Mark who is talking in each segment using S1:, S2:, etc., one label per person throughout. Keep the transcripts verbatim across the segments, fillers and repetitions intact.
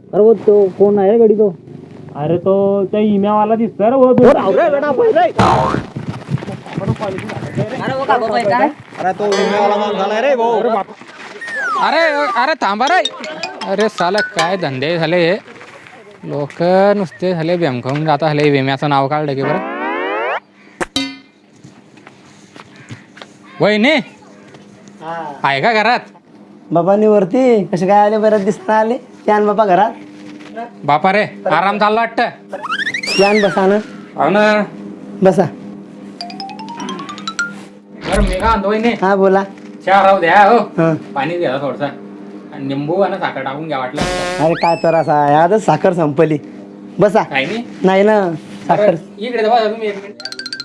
S1: अरे वो तो कौन आहे गाडी तो?
S2: अरे तो त्या इम्यावाला दिसतोय रे वो
S1: हो राव रे बेटा पहिले
S3: अरे वो का बाबा काय
S1: अरे तो विम्यावाला माणूस झालाय रे भाऊ.
S4: अरे अरे थांबा रे. अरे साला काय धंदे झाले हे. लोक नुसते झाले बेम खाऊन जाता झाले. विम्याचं नाव काढलं की बरं. वहिनी आहे का घरात?
S5: बाबांनी वरती कसे काय आले बरं दिसता आले यान बाबा घरात.
S4: बापा रे आराम चालला वाटतं.
S5: यान बसा ना
S4: हो ना.
S5: बसा.
S4: बरं मी का आणतो वहिनी.
S5: हा बोला.
S4: चहा राहू द्या हो.
S5: हा.
S4: पाणी द्या थोडसा आणि निंबू आणि साखर टाकून घ्या वाटलं.
S5: अरे काय तर असा आजच साखर संपली. बसा.
S4: काही नाही.
S5: नाही ना साखर.
S4: इकडे बघा तुम्ही एक मिनिट.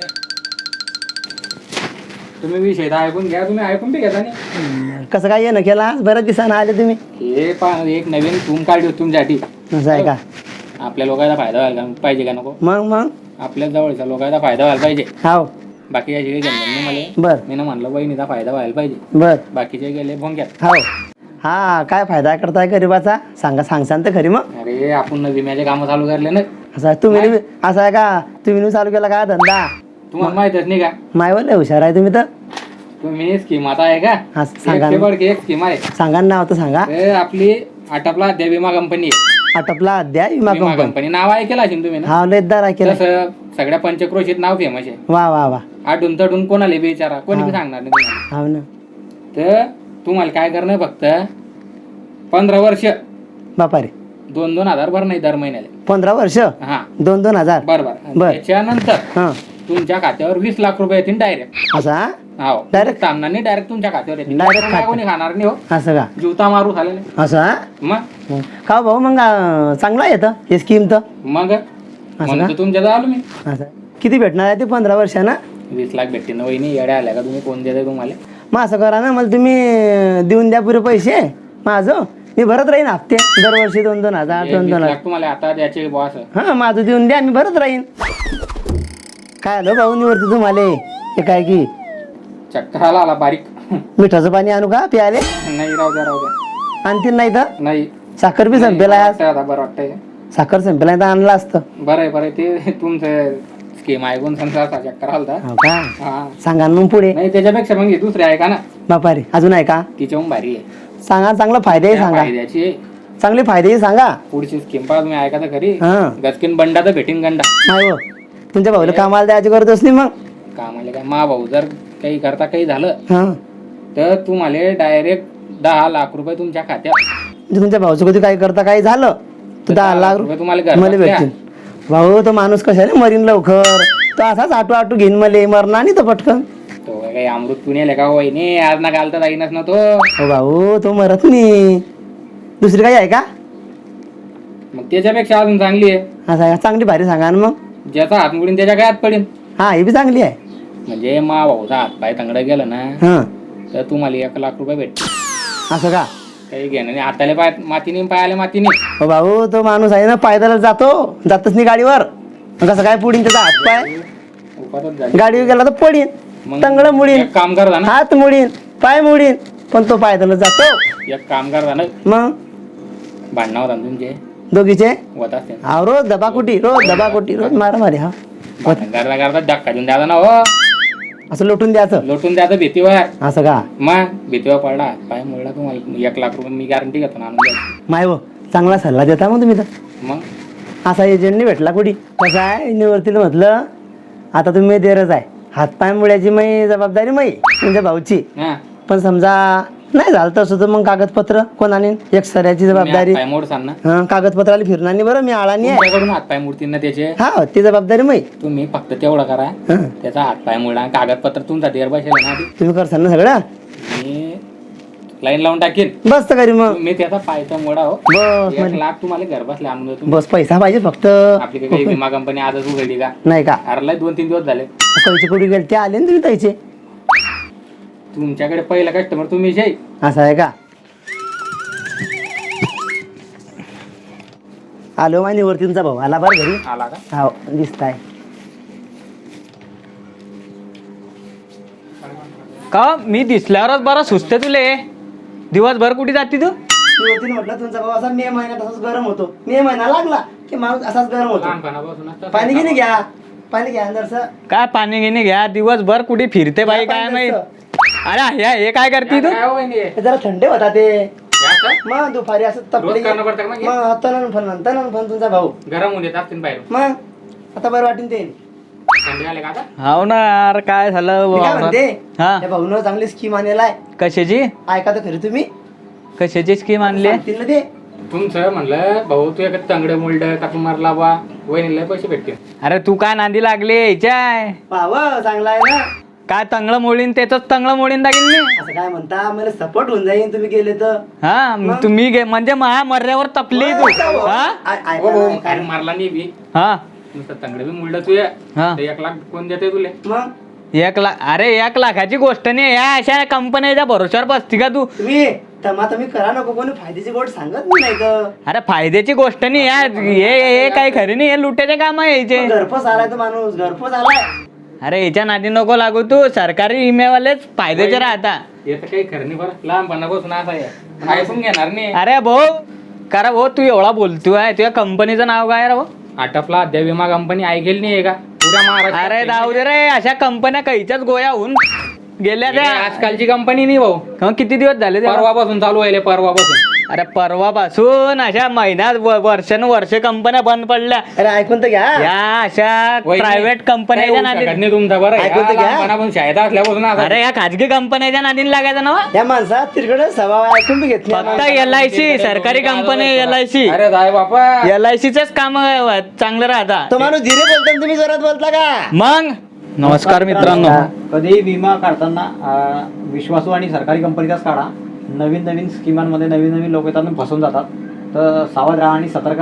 S4: तुम्ही विषय ऐकून घ्या. तुम्ही ऐकून बी घेता नाही.
S5: कसं काय येणं केला आज बऱ्याच दिवसानं आले तुम्ही.
S4: हे पहा एक नवीन टूम काढली होती तुमच्यासाठी.
S5: असं आहे का?
S4: आपल्या लोकांचा फायदा व्हायला पाहिजे का नको?
S5: मग मग
S4: आपल्या जवळच्या लोकांचा फायदा व्हायला पाहिजे.
S5: हाव
S4: बाकीच्या जे गेले मला
S5: बर
S4: मी ना म्हणलं वहिनीचा फायदा व्हायला पाहिजे.
S5: बर
S4: बाकीचे गेले भोंग्यात.
S5: हाव हा काय फायदा करताय गरीबाचा सांगा सांगसान तर खरी मग.
S4: अरे आपण विम्याचे कामं चालू करले ना.
S5: असं आहे तुम्ही बी- असं आहे का तुम्ही चालू केला का धंदा?
S4: तुम्हाला माहितच नाही का?
S5: मायवर लय हुशार आहे तुम्ही तर.
S4: तुम्ही स्कीम आता आहे का?
S5: हा सांगा
S4: एक
S5: ना.
S4: शेवट एक स्कीम आहे.
S5: सांगा ना नाव तर सांगा.
S4: हे आपली आटपला अद्या विमा कंपनी आहे.
S5: आटपला अद्या विमा
S4: विमा
S5: कंपनी.
S4: कंपनी नाव ऐकेलं असेल तुम्ही ना?
S5: हा लेदार केला.
S4: तसं सगळ्या पंचक्रोशीत नाव फेमस आहे.
S5: वा वा वा.
S4: आडून तडून कोणाला बी विचारा कोणी बी सांगणार नाही तुम्हाला.
S5: हाव ना.
S4: तर तुम्हाला काय करणं फक्त पंधरा वर्ष
S5: बापा रे
S4: दोन दोन हजार भर नाही दर महिन्याला.
S5: पंधरा वर्ष
S4: हा
S5: दोन दोन हजार.
S4: बरोबर.
S5: बर.
S4: त्याच्यानंतर
S5: हा
S4: तुमच्या खात्यावर वीस लाख रुपये येतील डायरेक्ट.
S5: असा
S4: हो
S5: Direct?
S4: सामना नाही डायरेक्ट तुमच्या खात्यावर येतील.
S5: Direct
S4: कोणी
S5: खात्यावर.
S4: कोणी खाणार नाही हो.
S5: असं का?
S4: जीवता मारू झालेले
S5: असा
S4: मग
S5: का भाऊ मग अं, चांगला येतं हे स्कीम तर.
S4: मग
S5: का?
S4: म्हणतो तुमच्या जवळ आलो मी.
S5: असं किती भेटणार आहे ते पंधरा वर्षानं?
S4: वीस लाख भेटतील ना वहिनी. येड्या आल्या का तुम्ही? कोण देते तुम्हाला?
S5: मग असं करा ना मला तुम्ही अं, देऊन द्या पुरे पैसे माझं मी भरत राहीन हप्ते दरवर्षी दोन दोन हजार
S4: हे
S5: दोन
S4: वीस
S5: दोन हजार.
S4: लाख तुम्हाला आता द्यायचे बॉस.
S5: हा माझं देऊन द्या मी भरत राहीन. काय आलं भाऊ निवडते तुम्हाला हे काय की
S4: चक्कर आला आला बारीक.
S5: मिठाचं पाणी आणू का प्याले?
S4: नाही राहू द्या राहू द्या.
S5: आणतील नाही तर
S4: नाही
S5: साखर बी संपेला आज.
S4: वाटतंय आता बरं वाटतंय.
S5: साखर संपेला तर आणलं असतं.
S4: बरं आहे बरं आहे. ते तुमचं स्कीम ऐकून संसार चक्कर आलता.
S5: हो का?
S4: हा
S5: सांगा ना मग पुढे.
S4: नाही त्याच्यापेक्षा मग हे दुसरे आहे का ना.
S5: बापा रे अजून आहे का?
S4: तिच्याहून भारी आहे.
S5: सांगा चांगलं फायदे
S4: त्या
S5: सांगा.
S4: फायद्याची
S5: चांगले फायदे सांगा.
S4: पुढची स्कीम पहा तुम्ही ऐका तर खरी.
S5: हा
S4: गचकीन बंडा तर भेटीन गंडा.
S5: नाही हो तुमच्या भाऊला कामाला द्यायची गरज असली मग.
S4: कामाला काय मा भाऊ जर काही करता काही झालं
S5: हा
S4: तर तुम्हाला डायरेक्ट दहा लाख रुपये तुमच्या खात्यात.
S5: म्हणजे तुमच्या भाऊचं कधी काही करता काही झालं तर दहा लाख
S4: रुपये तुम्हाला
S5: रुपये
S4: घरबसल्या.
S5: मला भेटतील. भाऊ तो माणूस कशाने मरीन लवकर तो असाच आटू आटू घेईन मले मरणार नाही तो पटकन.
S4: तो काही अमृत पुण्याला का होय नाही आज ना घालता जाईनच ना तो.
S5: हो भाऊ तो मरत नाही. दुसरी काही आहे का?
S4: मग त्याच्यापेक्षा अजून चांगली आहे.
S5: असं आहे का? चांगली भारी सांगा ना मग.
S4: ज्याचा हात मुडीन त्याच्या काय हात पडेल.
S5: हा हे बी चांगली आहे.
S4: म्हणजे मा भाऊचा हात पाय तंगडं गेलं ना
S5: हा
S4: तर तुम्हाला एक लाख रुपये भेटतील.
S5: असं का?
S4: काही घेणं नाही. हाताला पाय मातीने पायाला मातीने.
S5: हो भाऊ तो माणूस आहे ना पायदल जातो जातच नाही गाडीवर. मग कसं काय पुढीन त्याचा हात पाय?
S4: उपातच झाली.
S5: गाडीवर गेला तर पडीन
S4: मग
S5: तंगड मुडीन
S4: एक काम कर ना.
S5: हात मुडीन पाय मुडीन पण तो पायदल जातो.
S4: एक काम कर ना.
S5: मग
S4: भांडणं होता ना तुमचे
S5: दोघीचे
S4: होत असते.
S5: हा रोज दबाकुटी रोज दबाकुटी रोज मारा मारी. हा
S4: भांडण करता करता धक्का देऊन द्यायचा ना हो.
S5: असं लोटून द्यायचं
S4: लोटून द्यायचं भीतीवर.
S5: असं का?
S4: मग भीतीवर पडला पाय मोडला तुम्हाला एक लाख रुपये मी गॅरंटी घेतो ना आणून द्यायची.
S5: माय हो चांगला सल्ला देता मग तुम्ही तर.
S4: मग
S5: असा एजंट नाही भेटला कुठे. कसं आहे निवृत्तीला म्हटलं आता तुम्ही देरच आहे हातपाय मुळ्याची मै जबाबदारी मै तुमच्या भाऊची.
S4: हा
S5: पण समजा नाही झालं तसं तर मग कागदपत्र कोण आणीन एक सऱ्याची जबाबदारी.
S4: पाय मोडसान ना.
S5: हा कागदपत्राला फिरणार नाही बरं मी आळानी आहे.
S4: तुमच्याकडून हात पाय मोडतील ना त्याचे.
S5: हा ती जबाबदारी मै.
S4: तुम्ही फक्त तेवढं करा
S5: हा
S4: त्याचा हात पाय मोडला कागदपत्र तुमचा देर बसेल ना आधी.
S5: तुम्ही करसाल ना सगळं.
S4: मी लाईन लावून टाकेन.
S5: बस तर करी मग.
S4: मी त्याचा पायचा मोडा हो.
S5: बस
S4: एक
S5: म्हणजे
S4: लाख तुम्हाला घर बसले आणून देतो.
S5: बस पैसा पाहिजे फक्त.
S4: आपली काही- काही विमा कंपनी आजच उघडली का?
S5: नाही का?
S4: हरलाय दोन तीन दिवस झाले.
S5: पैसे कुठे गेले ते आले ना तुम्ही त्याचे.
S4: तुमच्याकडे पहिला कस्टमर तुम्ही जे.
S5: असं आहे का? आलो माहिती वरती तुमचा भाऊ आला बरं घरी.
S4: आला का?
S5: हो दिसताय.
S2: का मी दिसल्यावरच बरा सुचते तुले. दिवसभर कुठे जाते तू?
S5: निवृत्तीने म्हटलं तुमचा भाऊ असा मे महिन्यात असाच गरम होतो. मे महिना लागला की माणूस असाच गरम होतो.
S4: लहानपणापासून
S5: पाणी घेणे घ्या, पाणी घ्या जरसं.
S1: काय पाणी घेणे घ्या, दिवसभर कुठे फिरते बाई काय माहित. अरे ह्या- हे काय करते तू?
S5: हे जरा थंडे होता ते मग दुपारी असं तपले मग तनन फन तनन फन तुमचा भाऊ
S4: गरम होऊन येत असतील बाहेर.
S5: मग आता बरं वाटेल ते.
S4: थंडी आले का आता?
S1: हाव ना यार, काय झालं
S5: मी काय म्हणते
S1: हा
S5: त्या भाऊनं चांगली स्कीम आणलेला आहे.
S1: कशाची
S5: ऐका तर खरी तुम्ही,
S1: कशाची स्कीम आणली?
S5: सांगतील ना ते.
S4: तुमचं म्हणलं भाऊ तू एक तंगडे मुलड का तू मारला बा वहिनीला पैसे भेटतील.
S1: अरे तू काय नांदी लागली याच्या?
S5: भाव चांगला आहे ना.
S1: काय तंगळ मोडीन त्याच तंगळ मोडीन दाखीन मी.
S5: असं काय म्हणता, मला सपोर्ट होऊन जाईन तुम्ही गेले तर.
S1: हा मग तुम्ही गे म्हणजे महा मर्यावर तपली तू. हा
S5: ऐ- ऐका
S4: हो, हो,
S5: ना, ऐका
S4: अरे
S5: ना.
S4: मारला नाही बी
S1: हा
S4: नुसतं तंगडे बी मुलड तू ये.
S1: हा.
S4: ते एक लाख कोण देते तुले?
S5: मग
S1: एक लाख? अरे एक लाखाची गोष्ट नाही, या अशा कंपन्याच्या भरोश्यावर बसती का तू?
S5: तुम्ही तमा तुम्ही करा नको, कोणी फायद्याची गोष्ट सांगत मी नाही तर.
S1: अरे फायद्याची गोष्ट नाही या, हे हे काही खरी नाही, हे लुटायचे काम आहे याचे.
S5: घरपोच आलाय तो माणूस, घरपोच आलाय.
S1: अरे याच्या नादी नको लागू तू, सरकारी इमेवालेच फायद्याचे राहता.
S4: हे तर काही खरं नाही बरं, लहानपणापासून असं आहे ऐकून घेणार नाही.
S1: अरे भाऊ करा भाऊ, तू एवढा बोलतोय, तुझ्या कंपनीचं नाव काय रे भाऊ?
S4: आटपला अद्या विमा कंपनी ऐकेल नाही का पुऱ्या महाराष्ट्रात?
S1: अरे जाऊ दे रे, अशा कंपन्या काहीच्याच गोया होऊन गेल्या
S4: हे
S1: त्या.
S4: आजकालची कंपनी नाही भाऊ,
S1: हं, किती दिवस झाले त्या?
S4: परवापासून चालू आहे परवापासून.
S1: अरे परवापासून अशा महिन्यात व- वर्षानुवर्षे कंपन्या बंद पडल्या.
S5: अरे ऐकून तर घ्या.
S1: या अशा
S4: वहिनी,
S1: प्रायव्हेट
S4: काही
S1: कंपन्याच्या
S4: होऊ शकत
S1: नादी.
S4: नाही तुमचा बरं.
S5: ऐकून तर
S4: ह्या
S5: घ्या.
S4: लहानपणापासून शाळेत असल्यापासून असं.
S1: अरे या खाजगी कंपन्याच्या नादीन लागायचं ना.
S5: या माणसात तिरकडे स्वभाव आहे, ऐकून बी घेत नाही.
S1: फक्त एल आय सी सरकारी कंपनी, एल आय सी
S4: अरे जाय बापा.
S1: एल आय सीच काम चांगलं राहतात.
S5: तो माणूस धीरे बोलतो आणि तुम्ही जोरात बोलता का?
S1: मग नमस्कार मित्रांनो.
S2: कधी विमा काढताना अं, विश्वासू आणि सरकारी कंपनीचाच काढा. नवीन नवीन स्कीमांमध्ये नवीन नवीन लोक येतात आणि फसून जातात. तर सावध राहा आणि सतर्क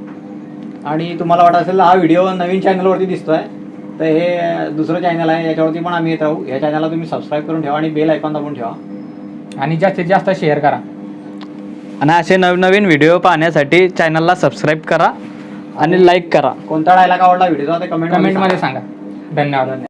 S2: राहा. आणि तुम्हाला वाटत असेल हा व्हिडिओ नवीन चॅनलवरती दिसतोय, तर हे दुसरं चॅनल आहे, याच्यावरती पण आम्ही येत राहू. या चॅनलला तुम्ही सबस्क्राईब करून ठेवा आणि बेल आयकॉन दाबून ठेवा.
S4: आणि जास्तीत जास्त शेअर करा.
S1: आणि असे नवनवीन व्हिडिओ पाहण्यासाठी चॅनलला सबस्क्राईब करा आणि लाईक करा.
S2: कोणता डायलॉग आवडला व्हिडिओचा ते कमेंट
S4: कमेंट मध्ये सांगा. धन्यवाद.